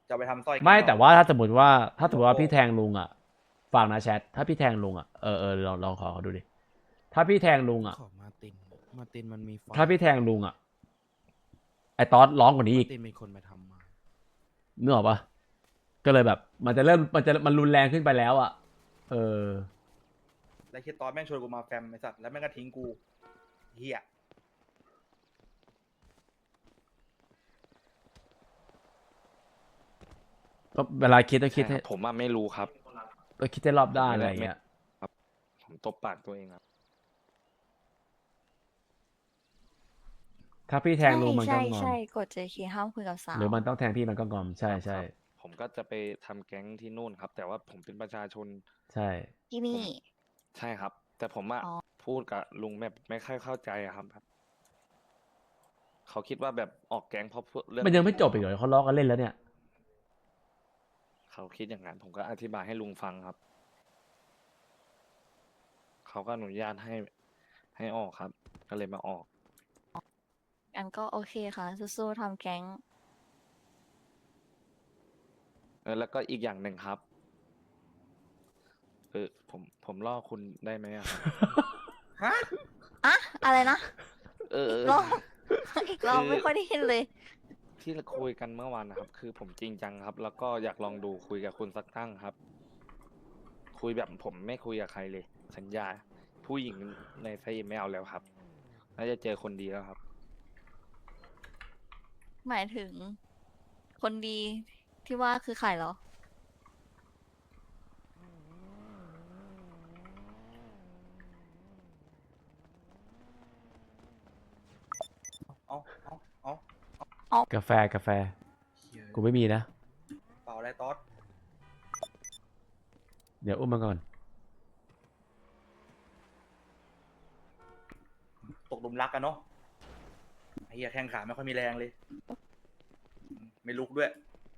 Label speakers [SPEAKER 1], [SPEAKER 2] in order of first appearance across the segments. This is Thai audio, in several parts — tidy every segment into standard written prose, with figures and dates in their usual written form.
[SPEAKER 1] จะไปทำสร้อย
[SPEAKER 2] ไม่แต่ว่าถ้าสมมติว่า
[SPEAKER 1] โอ้
[SPEAKER 2] พี่แทงลุงอ่ะฟังนะแชทถ้าพี่แทงลุงอ่ะลองขอเขาดูดิถ้าพี่แทงลุงอ่ะ
[SPEAKER 3] ขอมาตินมันมีไฟ
[SPEAKER 2] ถ้าพี่แทงลุงอ่ะไอ้ตอสร้องกว่านี้
[SPEAKER 3] มา
[SPEAKER 2] อีก
[SPEAKER 3] ตินเป็นคนไปทำมา
[SPEAKER 2] นึกออกปะก็เลยแบบมันรุนแรงขึ้นไปแล้วอ่ะเออ
[SPEAKER 1] แล้วคิดตอนแม่งชวนกูมาแฟมไอ้สัตว์แล้วแม่งก็ทิ้งกูเฮีย
[SPEAKER 2] ก็เวลาคิดต้องคิด
[SPEAKER 4] ใช่
[SPEAKER 2] ให้
[SPEAKER 4] ครับผมอะไม่รู้ครับ
[SPEAKER 2] ต้องคิดให้รอบด้านอะไรเงี้ย
[SPEAKER 4] ผมตบปากตัวเองครับ
[SPEAKER 2] ถ้าพี่แทงลุงมันก็งอม
[SPEAKER 5] ใช่กด JK ห้ามคุยกับสาว
[SPEAKER 2] หรือมันต้องแทงพี่มันก็งอมใช่
[SPEAKER 4] ครับ
[SPEAKER 2] ใช่
[SPEAKER 4] ครับผมก็จะไปทำแก๊งที่นู่นครับ แต่ว่าผมเป็นประชาชน
[SPEAKER 2] ใช่
[SPEAKER 5] ที่นี่
[SPEAKER 4] ใช่ครับ แต่ผมอะ
[SPEAKER 5] อ๋อ
[SPEAKER 4] พูดกับลุงแบบไม่ค่อยเข้าใจอะครับ เขาคิดว่าแบบออกแก๊งเพราะเรื่อง
[SPEAKER 2] มันยังไม่จบอีกเหรอเขาล้อกันเล่นแล้วเนี่ย
[SPEAKER 4] เขาคิดอย่างนั้น ผมก็อธิบายให้ลุงฟังครับ เขาก็อนุญาตให้ออกครับ ก็เลยมาออก
[SPEAKER 5] อันก็โอเคค่ะสู้ๆทำแก๊ง
[SPEAKER 4] แล้วก็อีกอย่างหนึ่งครับ ผมล่อคุณได้ไหมอะครับ
[SPEAKER 1] ฮะ
[SPEAKER 5] อะอะไรนะ
[SPEAKER 4] เออ
[SPEAKER 5] อีกรอบ อีกรอบ
[SPEAKER 4] คือ
[SPEAKER 5] ไม่ค่อยได้ยินเลย
[SPEAKER 4] ที่เราคุยกันเมื่อวานนะครับ คือผมจริงจังครับ แล้วก็อยากลองดูคุยกับคุณสักตั้งครับ คุยแบบผมไม่คุยกับใครเลย สัญญา ผู้หญิงในไซต์ไม่เอาแล้วครับ น่าจะเจอคนดีแล้วครับ
[SPEAKER 5] หมายถึง คนดีที่ว่าคือใครเหรอ
[SPEAKER 1] เอาเอา
[SPEAKER 2] กาแฟ
[SPEAKER 1] เหี้ย
[SPEAKER 2] กูไม่มีนะ
[SPEAKER 1] เปล่าอะไรตอส
[SPEAKER 2] เดี๋ยวอุ้มมันก่อน
[SPEAKER 1] ตกหลุมรักกันเนาะไอ้เฮียแข้งขาไม่ค่อยมีแรงเลย ไม่ลุกด้วย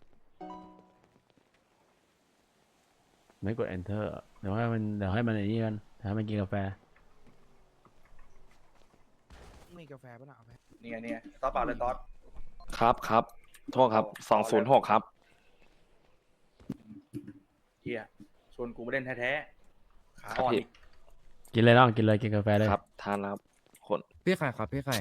[SPEAKER 2] ไม่กด enter เดี๋ยวให้มันไอ้นี่กันให้มันกินกาแฟ
[SPEAKER 3] มีกาแฟป่ะนะเอาไหม
[SPEAKER 1] เนี่ยตอสเปล่าเลยตอส
[SPEAKER 4] ครับ โทษครับ
[SPEAKER 1] เอาเลย
[SPEAKER 4] 206 ครับ
[SPEAKER 1] เฮียชวนกูมาเล่นแท้ๆขา
[SPEAKER 4] ครับ
[SPEAKER 1] อ่อน
[SPEAKER 4] พี่
[SPEAKER 1] อีก
[SPEAKER 2] กินเลยน้องกินเลยกินกาแฟเลย
[SPEAKER 4] ครับ ทานแล้วครับ คน
[SPEAKER 3] พี่ไข่ครับพี่ไข่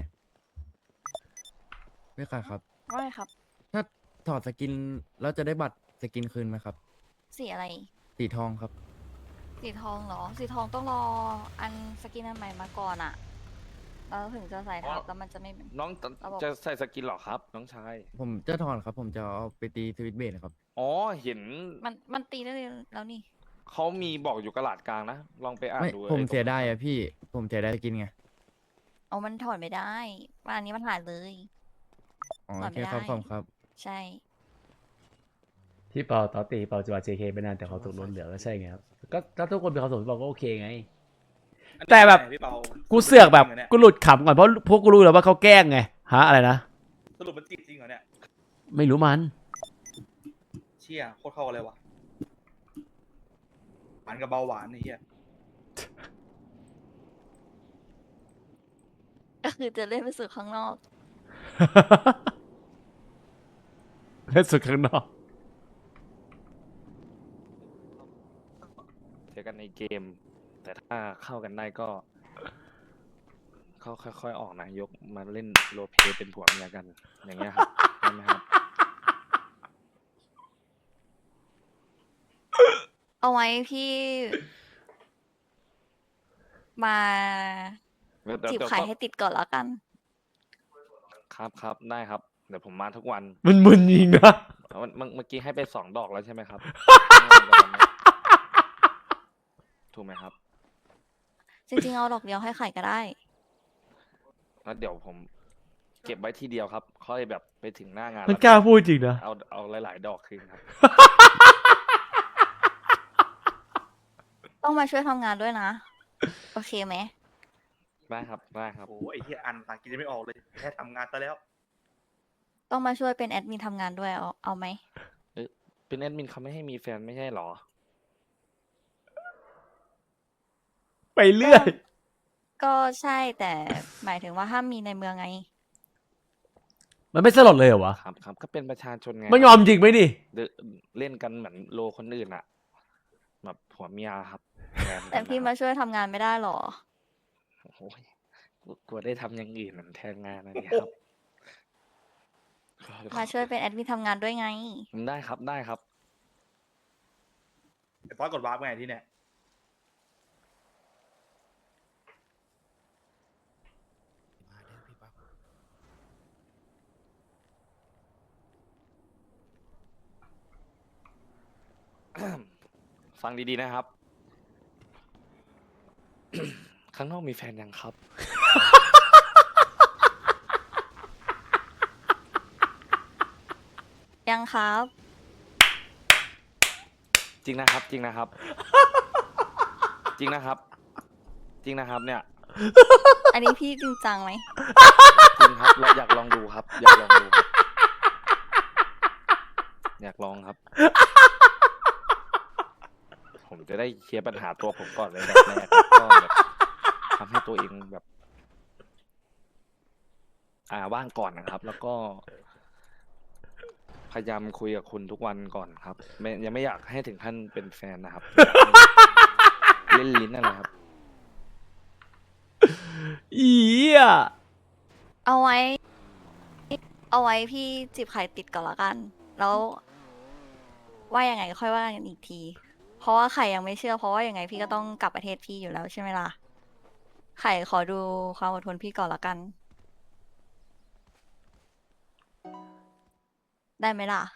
[SPEAKER 3] ครับ
[SPEAKER 5] ว่าไงครับ
[SPEAKER 3] ถ้าถอดสกินแล้วจะได้บัตรสกินคืนไหมครับ
[SPEAKER 5] สีอะไร
[SPEAKER 3] สีทองครับ
[SPEAKER 5] สีทองเหรอ สีทองต้องรออันสกินอันใหม่มาก่อนอะแล้วถึงจะใส่ทับแล้วมันจะไม่
[SPEAKER 4] น้อง
[SPEAKER 5] ระบบ
[SPEAKER 4] จะใส่สกินเหรอครับ น้องชาย
[SPEAKER 3] ผมจะถอนครับ ผมจะเอาไปตีสวิตช์เบสครับ
[SPEAKER 4] อ๋อ เห็น
[SPEAKER 5] มันตีได้เลยแล้วนี่
[SPEAKER 4] เขามีบอกอยู่กระดาษกลางนะ ลองไปอ่าน
[SPEAKER 3] ไม่
[SPEAKER 4] ดู
[SPEAKER 3] ผม
[SPEAKER 4] ไอ้ตรง
[SPEAKER 3] เสียดายอะพี่ ผมเสียดายสกินไง
[SPEAKER 5] เอามันถอดไม่ได้ว่าอันนี้มันถ่ายเลย
[SPEAKER 3] อ๋อ
[SPEAKER 5] ถอ
[SPEAKER 3] โอ
[SPEAKER 5] ด
[SPEAKER 3] เค
[SPEAKER 5] ไม่ได้
[SPEAKER 3] ครับขอบคุณครับ
[SPEAKER 5] ใช่
[SPEAKER 2] ที่เปาตอตีเปาจะมา JK ไปนานแต่เขาตกล้นเหลือก็ใช่ไงครับก็ถ้าทุกคนเป็นเขาสมเปาก็โอเคไง แต่แบบ
[SPEAKER 1] พี่เปา
[SPEAKER 2] กูเสือกแบบ
[SPEAKER 1] จริงหรเนี่ย
[SPEAKER 2] กูหลุดขำก่อนเพราะพวกกูรู้แล้วว่าเขาแกล้งไงฮะอะไรนะ
[SPEAKER 1] สรุปมันจีบจริงเหรอเนี่ย
[SPEAKER 2] ไม่รู้มัน
[SPEAKER 1] เชี่ยโคตรเข้ากันเลยวะหวานกับเบาหวานไอ้เฮีย
[SPEAKER 5] ก็คือจะเล่นไปสู่ข้างนอก
[SPEAKER 2] เล่นสุดข้างนอก
[SPEAKER 4] เจอกันในเกม แต่ถ้าเข้ากันได้ก็ เขาค่อยๆออกนะ ยกมาเล่นโรลเพลย์เป็นผัวเมียกัน อย่างเงี้ยครับได้ไหมครับ
[SPEAKER 5] เอาไว้พี่ มา จีบ
[SPEAKER 4] เดี๋ยว
[SPEAKER 5] ไข่
[SPEAKER 4] ก็
[SPEAKER 5] ให้ติดก่อนแล้วกัน
[SPEAKER 4] ครับได้ครับ เดี๋ยวผมมาทุกวัน
[SPEAKER 2] มันมึนยิงนะ
[SPEAKER 4] เมื่อกี้ให้ไป2 ดอกแล้วใช่ไหมครับ ถูกไหมครับ
[SPEAKER 5] จริงๆเอาดอกเดียวให้ไข่ก็ได้
[SPEAKER 4] แล้วเดี๋ยวผมเก็บไว้ทีเดียวครับ ค่อยแบบไปถึงหน้างาน
[SPEAKER 2] มัน
[SPEAKER 4] แล้ว
[SPEAKER 2] กล้าพูดจริงนะ
[SPEAKER 4] เอาหลายๆ ดอกคืนครับ
[SPEAKER 5] ต้องมาช่วยทำงานด้วยนะ โอเคไหม
[SPEAKER 4] ได้ครับ
[SPEAKER 1] โอ้ไอ้เฮียอันภาษาอังกฤษยังไม่ออกเลยแค่ทำงานซะแล้ว
[SPEAKER 5] ต้องมาช่วยเป็นแอดมินทำงานด้วยเอาไหม
[SPEAKER 4] เป็นแอดมินเขาไม่ให้มีแฟนไม่ใช่หรอ
[SPEAKER 2] ไปเรื่อย
[SPEAKER 5] ก็ใช่แต่หมายถึงว่าห้ามมีในเมืองไง
[SPEAKER 2] มันไม่สลดเลยเหรอวะ
[SPEAKER 4] ครับครับก็เป็นประชาชนไง
[SPEAKER 2] มันงอมจริงไหมดิ
[SPEAKER 4] เล่นกันเหมือนโลคนอื่นอะแบบผัวเมียครับฟนกัน
[SPEAKER 5] แต่พี่
[SPEAKER 4] นะค
[SPEAKER 5] มา
[SPEAKER 4] รับ
[SPEAKER 5] ช่วยทำงานไม่ได้หรอ
[SPEAKER 4] โอ้ยกลัวได้ทำอย่างอื่นเหมือนแทนงานนะเนี่ยครับ
[SPEAKER 5] มาช่วยเป็นแอดมินทำงานด้วยไง
[SPEAKER 4] ได้ครับได้ครับ
[SPEAKER 1] ไอ้ป๊อตกดวาร์ปไงที่เนี่ย
[SPEAKER 4] ฟังดีๆนะครับ ข้างนอกมีแฟนยังครับ
[SPEAKER 5] ยังครับ
[SPEAKER 4] จริงนะครับ จริงนะครับ จริงนะครับ จริงนะครับ เนี่ย
[SPEAKER 5] อันนี้พี่จริงจังไหม
[SPEAKER 4] จริงครับเราอยากลองดูครับ อยากลองดูครับอยากลองครับ ผมจะได้เคลียร์ปัญหาตัวผมก่อนเลยแบบแรกครับก็แบบทำให้ตัวเองแบบ ว่างก่อนนะครับ แล้วก็ พยายามคุยกับคุณทุกวันก่อนครับยังไม่อยากให้ถึงขั้นเป็นแฟนนะครับ อยากให้เล่นลิ้นอะไรครับ
[SPEAKER 2] อีอ่ะ
[SPEAKER 5] เอาไว้ พี่จีบไข่ติดก่อนละกัน แล้ว ว่ายังไงค่อยว่ากันอีกที เพราะว่าไข่ยังไม่เชื่อ เพราะว่ายังไงพี่ก็ต้องกลับประเทศพี่อยู่แล้วใช่ไหมล่ะ ไข่ขอดูความอดทนพี่ก่อนละกัน ได้ไหมล่ะ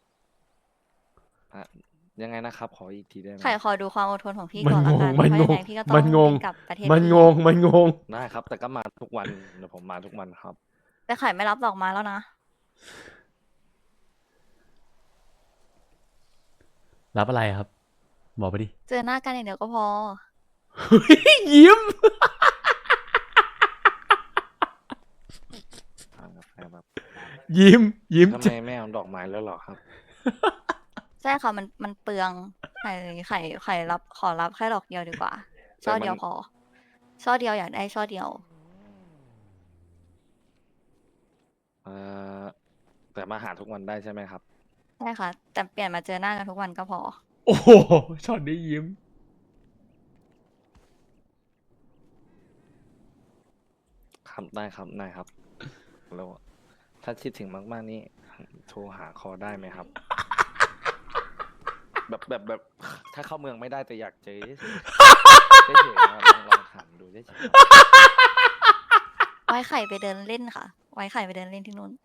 [SPEAKER 4] ยังไงนะครับ ขออีกทีได้ไหม
[SPEAKER 5] ไข่ขอดูความอดทนของพี่
[SPEAKER 2] มัน
[SPEAKER 5] ก่อนละ
[SPEAKER 2] ง
[SPEAKER 5] กั
[SPEAKER 2] ง
[SPEAKER 5] น
[SPEAKER 2] มัน
[SPEAKER 5] เพราะ
[SPEAKER 2] ง
[SPEAKER 5] ยัง
[SPEAKER 2] ง
[SPEAKER 5] ไงพี่ก็ต้อง
[SPEAKER 2] มันงง
[SPEAKER 5] บิกลับประเทศ
[SPEAKER 2] มัน
[SPEAKER 5] พี่
[SPEAKER 2] งง มันงง
[SPEAKER 4] ได้ครับ แต่ก็มาทุกวันเดี๋ยวผมมาทุกวันครับ
[SPEAKER 5] แต่ไข่ไม่รับดอกไม้แล้วนะ
[SPEAKER 2] รับอะไรครับ บอกไปดิ
[SPEAKER 5] เจอหน้ากันอย่างเดียวก็พอ
[SPEAKER 2] ยิ้ม ยิ้ม ยิ้ม
[SPEAKER 4] ทำไมไม่เอาดอกไม้แล้วเหรอครับ
[SPEAKER 5] ใช่ค่ะมันเปลืองไข่รับขอรับแค่ดอกเดียวดีกว่า ช่อเดียวพอ ช่อเดียวอยากได้ช่อเดียว
[SPEAKER 4] แต่มาหาทุกวันได้ใช่ไหมครับ
[SPEAKER 5] ใช่ค่ะ แต่เปลี่ยนมาเจอหน้ากันทุกวันก็พอ
[SPEAKER 2] โอ้โหช็อตนี้ยิ้ม
[SPEAKER 4] ครับได้ครับได้ครับแล้วถ้าคิดถึงมากๆนี่โทรหาคอได้ไหมครับ แบบถ้าเข้าเมืองไม่ได้แต่อยากเจอเฉยๆครับลองถามดูเฉย
[SPEAKER 5] ไว้ไข่ไปเดินเล่นค่ะ ไว้ไข่ไปเดินเล่นที่นู่น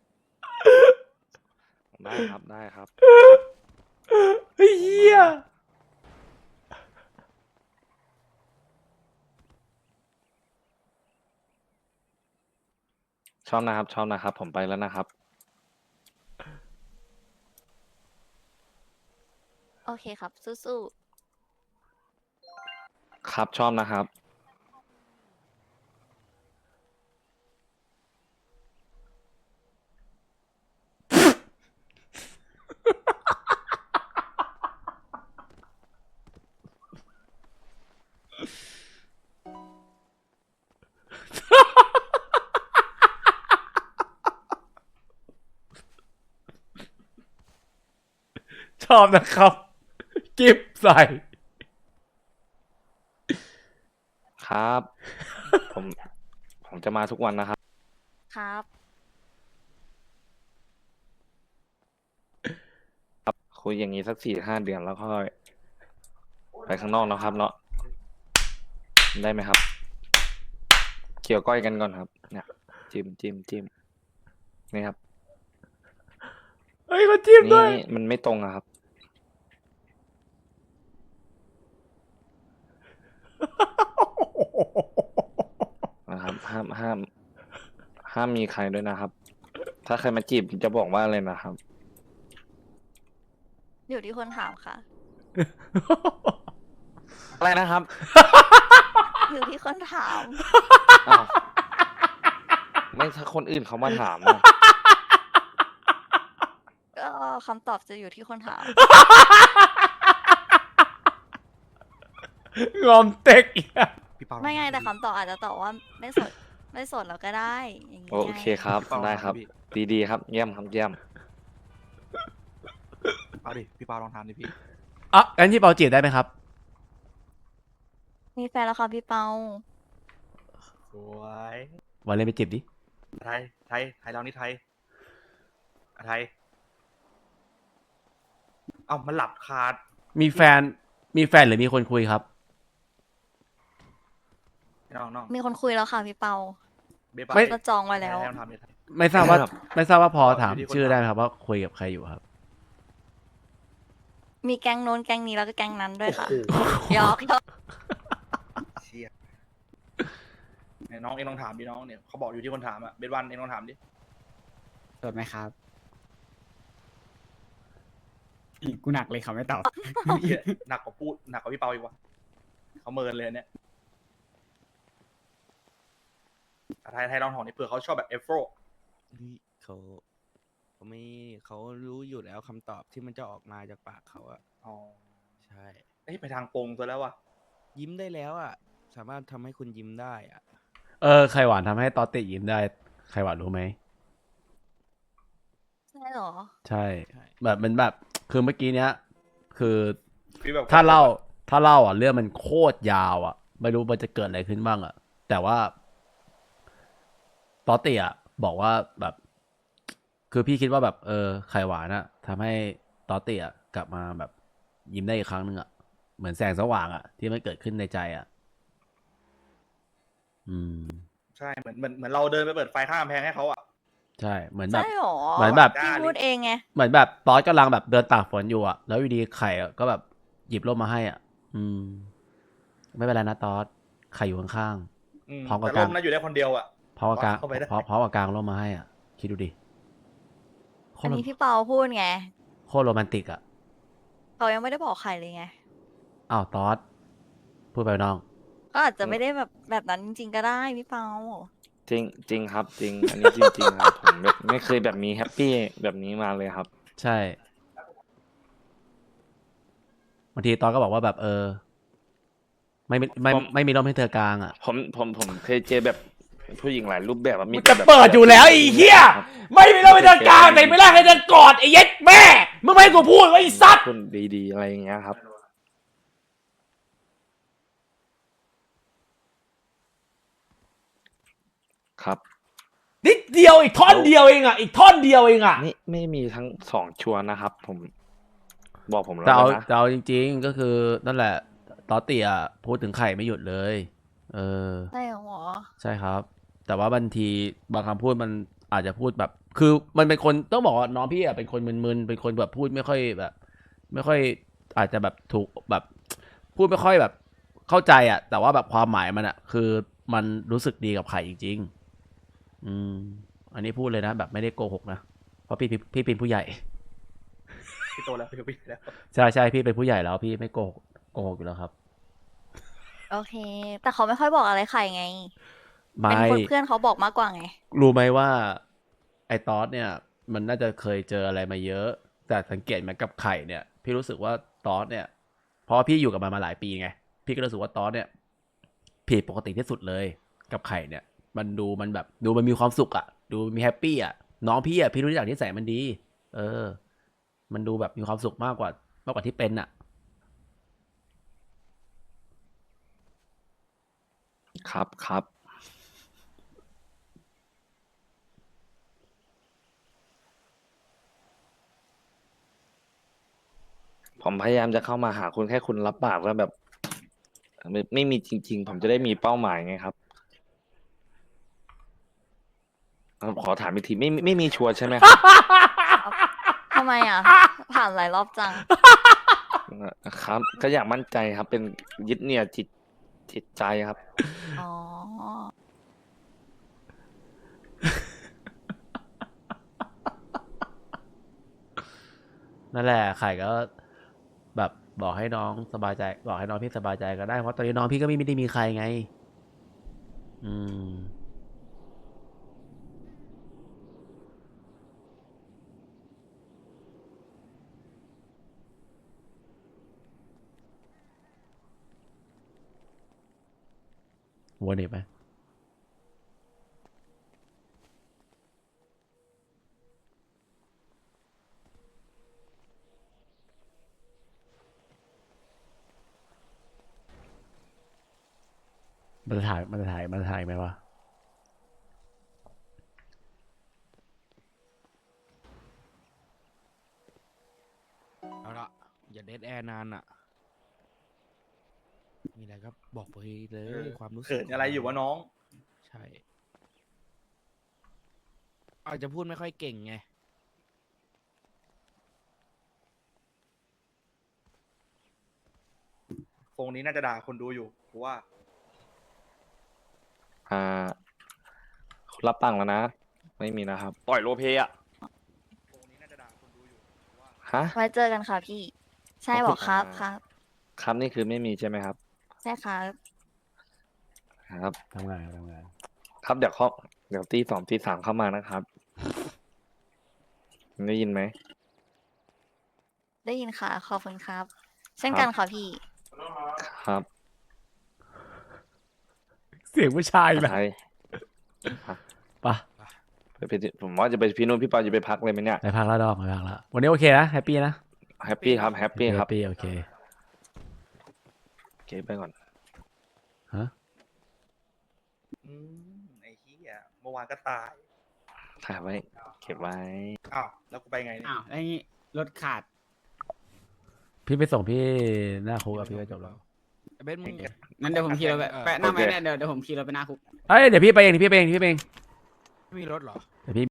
[SPEAKER 4] ๆได้ครับได้ครับ
[SPEAKER 2] เฮีย
[SPEAKER 4] ชอบนะครับ ชอบนะครับ ผมไปแล้วนะครับ
[SPEAKER 5] โอเคครับ สู้
[SPEAKER 4] ครับชอบนะครับ
[SPEAKER 2] ชอบนะครับ กิฟใส่
[SPEAKER 4] ครับ ผมจะมาทุกวันนะครับ
[SPEAKER 5] ๆ ครับ
[SPEAKER 4] คุยอย่างนี้สัก4-5 เดือนแล้วค่อยไปข้างนอกนะครับเนาะได้ไหมครับ เกี่ยวก้อยกันก่อนครับ เนี่ย จิ้มนี่ครับ
[SPEAKER 2] เฮ้ยมาจิ้มด้วย
[SPEAKER 4] นี่มันไม่ตรงอะครับ นะครับ ห้ามมีใครด้วยนะครับ ถ้าใครมาจีบจะบอกว่าอะไรนะครับ
[SPEAKER 5] อยู่ที่คนถามค่ะ
[SPEAKER 4] อะไรนะครับ
[SPEAKER 5] อยู่ที่คนถาม
[SPEAKER 4] อ้าวไม่ถ้าคนอื่นเขามาถามอะ
[SPEAKER 5] ก็คำตอบจะอยู่ที่คนถาม
[SPEAKER 2] งอมเต็กอีกอะ
[SPEAKER 1] พี่เปา
[SPEAKER 5] ไม่ไงแต่คำตอบอาจจะตอบว่าไม่ไม่สดเราก็ได้อย่างงี้
[SPEAKER 4] โอ
[SPEAKER 5] ไง
[SPEAKER 4] เคครับ
[SPEAKER 1] พี่เปา
[SPEAKER 4] ได้ครับ
[SPEAKER 1] พี่
[SPEAKER 4] ดีๆครับเยี่ยมครับเยี่ยม
[SPEAKER 1] เอาดิพี่เปาลองทำดิพี่
[SPEAKER 2] อ่ะงั้นพี่เปาจีบได้ไหมครับ
[SPEAKER 5] มีแฟนแล้วค่ะพี่เปา
[SPEAKER 1] สวย
[SPEAKER 2] วันเล่นไปจีบดิ
[SPEAKER 1] ไทยเรานี่ไทยไทยเอ้ามันหลับคา
[SPEAKER 2] มีแฟนหรือมีคนคุยครับ
[SPEAKER 1] น้อง
[SPEAKER 5] มีคนคุยแล้วค่ะพี่เปา
[SPEAKER 1] เบปา
[SPEAKER 2] ไม่
[SPEAKER 5] ก็จองไว้แล้ว
[SPEAKER 1] ให้ทำดิ
[SPEAKER 2] ไม่ทราบว่า
[SPEAKER 4] ครับ
[SPEAKER 2] ไม่ทราบว่าพอถาม
[SPEAKER 1] อยู่ที่คน
[SPEAKER 2] ชื่อ
[SPEAKER 1] ถาม
[SPEAKER 2] ได้ไหมครับว่าคุยกับใครอยู่ครับ
[SPEAKER 5] มีแก๊งโน้นแก๊งนี้แล้วก็แก๊งนั้นด้วยค่ะ
[SPEAKER 1] โอ้โห
[SPEAKER 5] หยอกหยอก
[SPEAKER 1] เชี่ยไหนน้องเองลองถามดิน้องเนี่ยเขาบอกอยู่ที่คนถามอะเบสวันเองลองถามดิ
[SPEAKER 6] สดไหมครับอีกกูหนักเลยเขาไม่ตอบ
[SPEAKER 1] เหี้ยหนักกว่าพี่เปาอีกวะเขาเมินเลยอันเนี่ยไทยลองถามดิเผื่อเขาชอบแบบเอฟโฟ
[SPEAKER 7] นี่เขารู้อยู่แล้วคำตอบที่มันจะออกมาจากปากเขาอะ
[SPEAKER 1] อ๋อ
[SPEAKER 7] ใช่
[SPEAKER 1] เอ้ยไปทางโปรงตัวแล้ววะ
[SPEAKER 7] ยิ้มได้แล้วอะสามารถทำให้คุณยิ้มได้อะ
[SPEAKER 2] ไข่หวานทำให้ตอตติยิ้มได้ไข่หวานรู้ไหม
[SPEAKER 5] ใช่เหรอ
[SPEAKER 2] ใช่ แบบมันแบบคือเมื่อกี้เนี้ย คือ
[SPEAKER 1] พี่แบบ
[SPEAKER 2] ถ้าเล่าอ่ะเรื่องมันโคตรยาวอ่ะ ไม่รู้มันจะเกิดอะไรขึ้นบ้างอ่ะ แต่ว่าตอตติอ่ะบอกว่าแบบ คือพี่คิดว่าแบบไข่หวานอ่ะทำให้ตอตติอ่ะกลับมาแบบยิ้มได้อีกครั้งหนึ่งอ่ะเหมือนแสงสว่างอ่ะที่มันเกิดขึ้นในใจอ่ะ อืม
[SPEAKER 1] ใช่เหมือนเราเดินไปเปิดไฟข้ามกำแพงให้เขาอะ
[SPEAKER 2] ใช่เหมือนแบบ
[SPEAKER 5] ใช่เหรอ
[SPEAKER 2] เหมือนแบบ
[SPEAKER 5] พี่พูดเองไง
[SPEAKER 2] เหมือนแบบตอสกำลังแบบเดินตากฝนอยู่อ่ะ แล้วอยู่ดีไข่อะก็แบบหยิบร่มมาให้อ่ะ อืม ไม่เป็นไรนะตอสไข่อยู่ข้าง พร้อมกับ
[SPEAKER 1] แต่
[SPEAKER 2] การ
[SPEAKER 1] ร่มนั้นอยู่ได้คนเดียวอะ
[SPEAKER 2] ๆพร้อมกับกลาง
[SPEAKER 1] เข้าไปได้
[SPEAKER 2] พร้อมกับกลางร่มมาให้อ่ะ คิดดูดิโค
[SPEAKER 5] อั
[SPEAKER 2] ต
[SPEAKER 5] น
[SPEAKER 2] ร
[SPEAKER 5] นี้พี่เปาพูดไง
[SPEAKER 2] โคตรโรแมนติกอ่ะ
[SPEAKER 5] เขายังไม่ได้บอกใครเลยไง
[SPEAKER 2] อ้าวตอสพูดไปน้อง
[SPEAKER 5] ก็อาจจะไม่ได้แบบนั้นจริงๆก็ได้พี่เปา
[SPEAKER 4] จริงครับจริง อันนี้จริงๆครับ ผมแบบไม่เคยแบบมีแฮปปี้แบบนี้มาเลยครับ
[SPEAKER 2] ใช่บางทีตอสก็บอกว่าแบบไม่มีร่มให้เธอกลางอ่ะ
[SPEAKER 4] ผมเคยเจอแบบผู้หญิงหลายรูปแบบอะ
[SPEAKER 2] มัน
[SPEAKER 4] แต่
[SPEAKER 2] จะ
[SPEAKER 4] แบบ
[SPEAKER 2] เปิดอยู่แล้วไอ้เหี้ย
[SPEAKER 4] ครับ
[SPEAKER 2] ไม่มีร่มให้เธอกลางแต่ไม่ได้ให้เธอกอดไอ้เย็ดแม่มึงไม่ให้กูพูดว่าไอ้ซัด
[SPEAKER 4] คนดีๆอะไรอย่างเงี้ยครับ ครับ
[SPEAKER 2] นิดเดียวอีกท่อนเดียวเองอ่ะอีกท่อนเดียวเองอ่ะ
[SPEAKER 4] นี่ไม่มีทั้งสองชัวร์นะครับ ผมบอกผมแล้ว
[SPEAKER 2] แต่เอา
[SPEAKER 4] นะ
[SPEAKER 2] แต่เอาจริง ๆ ก็คือนั่นแหละตอตเตียพูดถึงไข่ไม่หยุดเลย เออ
[SPEAKER 5] ใช่เหรอ
[SPEAKER 2] ใช่ครับ แต่ว่าบางทีบางคำพูดมันอาจจะพูดแบบ คือมันเป็นคนต้องบอกว่าน้องพี่อ่ะเป็นคนมึนๆเป็นคนแบบพูดไม่ค่อยแบบ ไม่ค่อยอาจจะแบบถูกแบบ พูดไม่ค่อยแบบเข้าใจอ่ะ แต่ว่าแบบความหมายมันอ่ะ คือมันรู้สึกดีกับไข่จริงๆ อืม อันนี้พูดเลยนะ แบบไม่ได้โกหกนะเพราะพี่เป็นผู้ใหญ่
[SPEAKER 1] พี่โตแล้วพี่แล้ว
[SPEAKER 2] ใช่พี่เป็นผู้ใหญ่แล้วพี่ไม่โกหกอยู่แล้วครับ
[SPEAKER 5] โอเค แต่เขาไม่ค่อยบอกอะไรใครไง
[SPEAKER 2] ไม่
[SPEAKER 5] เป็นคนเพื่อนเขาบอกมากกว่าไง
[SPEAKER 2] รู้ไหมว่า ไอ้ตอสเนี่ย มันน่าจะเคยเจออะไรมาเยอะ แต่สังเกตไหมกับไข่เนี่ย พี่รู้สึกว่าตอสเนี่ยเพราะว่าพี่อยู่กับมันมาหลายปีไงพี่ก็รู้สึกว่าตอสเนี่ยผิดปกติที่สุดเลย กับไข่เนี่ย มันดูมันแบบดูมันมีความสุขอะดูมีแฮปปี้อะน้องพี่อะพี่รู้จักนิสัยมันดี เออ มันดูแบบมีความสุขมากกว่าที่เป็นอะ
[SPEAKER 4] ครับครับ ผมพยายามจะเข้ามาหาคุณแค่คุณรับปากแล้วแบบไม่มีจริง ๆ ผมจะได้มีเป้าหมายไงครับขอถามอีกทีไม่มีชัวร์ใช่ไหมครับ
[SPEAKER 5] ทำไมอ่ะ ผ่านหลายรอบจัง
[SPEAKER 4] ครับ ก็อยากมั่นใจครับ เป็นยึดเหนี่ยวจิตใจครับ
[SPEAKER 5] อ๋อ
[SPEAKER 2] นั่นแหละไข่ก็แบบบอกให้น้องสบายใจ บอกให้น้องพี่สบายใจก็ได้ เพราะตอนนี้น้องพี่ก็ไม่ได้มีใครไง อืม วนอีกไหมมันจะถ่ายไหมวะ
[SPEAKER 7] เอาละอย่าเดดแอร์นานอ่ะ มีอะไรก็บอกไปเลย ความรู้สึก
[SPEAKER 1] เขินอะไรอยู่วะน้อง
[SPEAKER 7] ใช่ อาจจะพูดไม่ค่อยเก่งไง
[SPEAKER 1] ทรงนี้น่าจะด่าคนดูอยู่เพราะว่า
[SPEAKER 4] คุณรับตังค์แล้วนะ ไม่มีนะครับ
[SPEAKER 8] ต่อยโรลเพลย์อะ
[SPEAKER 1] ทรงนี้น่าจะด่าคนดูอยู่เพราะว่า
[SPEAKER 4] ฮะ
[SPEAKER 5] ไว้เจอกันค่ะพี่ ใช่
[SPEAKER 4] ขอบคุณ
[SPEAKER 5] บอกครับ
[SPEAKER 4] ค
[SPEAKER 5] ค
[SPEAKER 4] รั
[SPEAKER 5] รับ บ
[SPEAKER 4] ครับนี่คือไม่มีใช่ไหมครับ
[SPEAKER 5] ใช่ครับ
[SPEAKER 4] ครับ
[SPEAKER 2] ทำงาน
[SPEAKER 4] ครับเดี๋ยวตี 2 ตี 3เข้ามานะครับ ได้ยินไหม
[SPEAKER 5] ได้ยินค่ะ ขอบคุณครับ เช่น
[SPEAKER 4] ครับ
[SPEAKER 5] กันค่ะพี่
[SPEAKER 4] ครับ
[SPEAKER 2] เสียงผู้ชายแบบ
[SPEAKER 4] ใช่
[SPEAKER 2] ปะ
[SPEAKER 4] ผมว่าจะไปพี่นุ่นพี่ปาจะไปพักเลยไหมเนี่ย
[SPEAKER 2] ไปพักแล้วดอกไปพักแล้ววันนี้โอเคนะแฮปปี้นะ
[SPEAKER 4] แฮปปี้ครับแฮปปี้ครับ
[SPEAKER 2] แฮปปี้โอเค
[SPEAKER 4] โอเคไปก่อน
[SPEAKER 2] ฮะ
[SPEAKER 1] ไอ้เหี้ยเมื่อวานก็ตาย
[SPEAKER 4] ถ่ายไว้ เก็บไว้
[SPEAKER 1] อ้าวแล้วกูไปไงเนี่ย
[SPEAKER 6] อ้าวแล้วอย่างงี้รถขาด
[SPEAKER 2] พี่ไปส่งพี่หน้าคุกกับพี่ก็จบแล้ว
[SPEAKER 7] เบสมึง
[SPEAKER 6] งั้นเดี๋ยวผมขี่รถไป
[SPEAKER 7] เออ
[SPEAKER 6] ไปหน้า
[SPEAKER 4] โอ
[SPEAKER 6] ไม่
[SPEAKER 4] เค
[SPEAKER 6] ได้เดี๋ยวผมขี่รถไปหน้าคุก
[SPEAKER 2] เอ้ยเดี๋ยวพี่ไปเอง
[SPEAKER 7] ไม่มีรถเหรอ